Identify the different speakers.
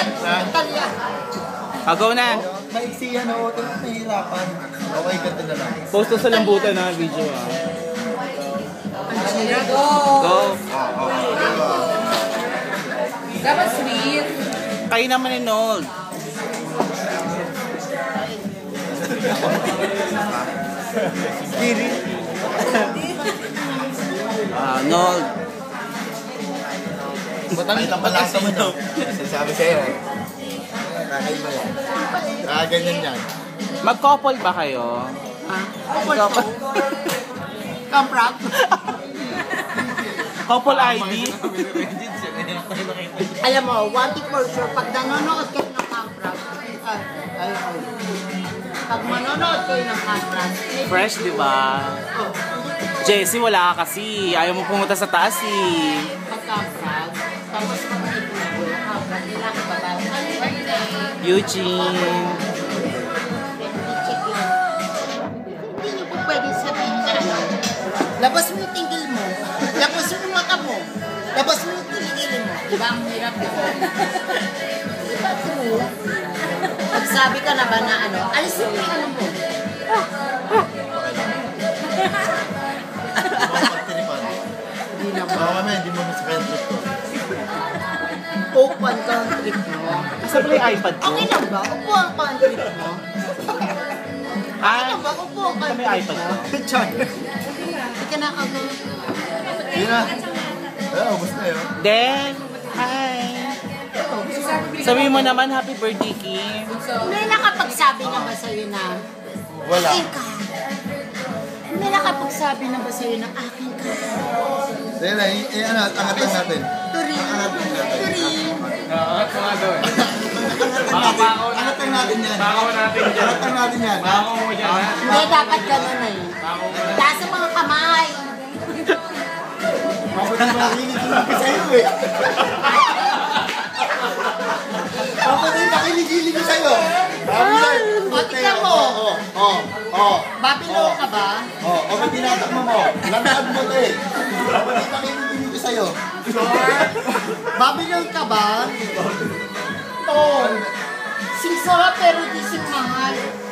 Speaker 1: Talya.
Speaker 2: Go na.
Speaker 3: Maiksi yan o, nahihirapan. Okay, ganda na lang.
Speaker 2: Post to sa lambutan na video ah. Go.
Speaker 1: Dapat sweet.
Speaker 2: Kayo naman ni Nold.
Speaker 3: Giri.
Speaker 2: Nold.
Speaker 3: Matangit ang palasa mo nyo. Sasabi sa'yo. Kakaiba yan. Ganyan yan.
Speaker 2: Mag-couple ba kayo? Couple.
Speaker 1: Kamprap.
Speaker 2: Couple ID?
Speaker 1: Alam mo, one thing for sure, pag nanonood kayo ng kamprap, pag manonood kayo ng kamprap,
Speaker 2: Fresh, di ba? Jessie, wala ka kasi. Ayaw mo pumunta sa taas eh.
Speaker 1: pag kamprap, tapos mag-ibubo, kamprap, nila ang babae.
Speaker 2: Eugene.
Speaker 1: Check yun. Hindi niyo po pwede sabihin na ano, labas mo yung tingil mo, labas mo yung mata mo, labas mo yung tingil mo. Diba ang hirap yun? Diba true? Pag sabi ka na ba na ano, alisin mo yung ano mo. Hindi na ba?
Speaker 3: Baka kami, hindi mo sa kaya trip ko.
Speaker 1: Open ka ang trip mo.
Speaker 2: Sa play iPad ko.
Speaker 1: Okay lang ba? Upuan ka ang trip mo. Okay lang ba? Upuan ka
Speaker 2: Sa
Speaker 1: ang
Speaker 2: may
Speaker 1: trip
Speaker 2: iPad
Speaker 1: mo.
Speaker 2: ko.
Speaker 1: Hindi ka nakagawa.
Speaker 3: Yun na. Ubus na yun.
Speaker 2: Then, hi. Sabihin mo naman, happy birthday, Kim.
Speaker 1: May nakapagsabi na ba sa'yo na
Speaker 3: Wala.
Speaker 1: akin ka? May nakapagsabi na ba sa'yo na akin ka?
Speaker 3: Then, angat natin.
Speaker 1: Turing. Turing.
Speaker 3: Angat natin yan. Angat natin yan.
Speaker 1: Hindi, dapat gano'n eh. Taas ang mga kamay.
Speaker 3: Bakit yung makikinig sa'yo eh? Bakit yung makikinig sa'yo?
Speaker 1: O, tignan mo. Babilo ka ba?
Speaker 3: Bakit tinatakmo mo? Lamad mo ito eh. Bakit yung makikinig sa'yo?
Speaker 1: Babilo ka ba? Oo. Sing sarap pero di sing mahal.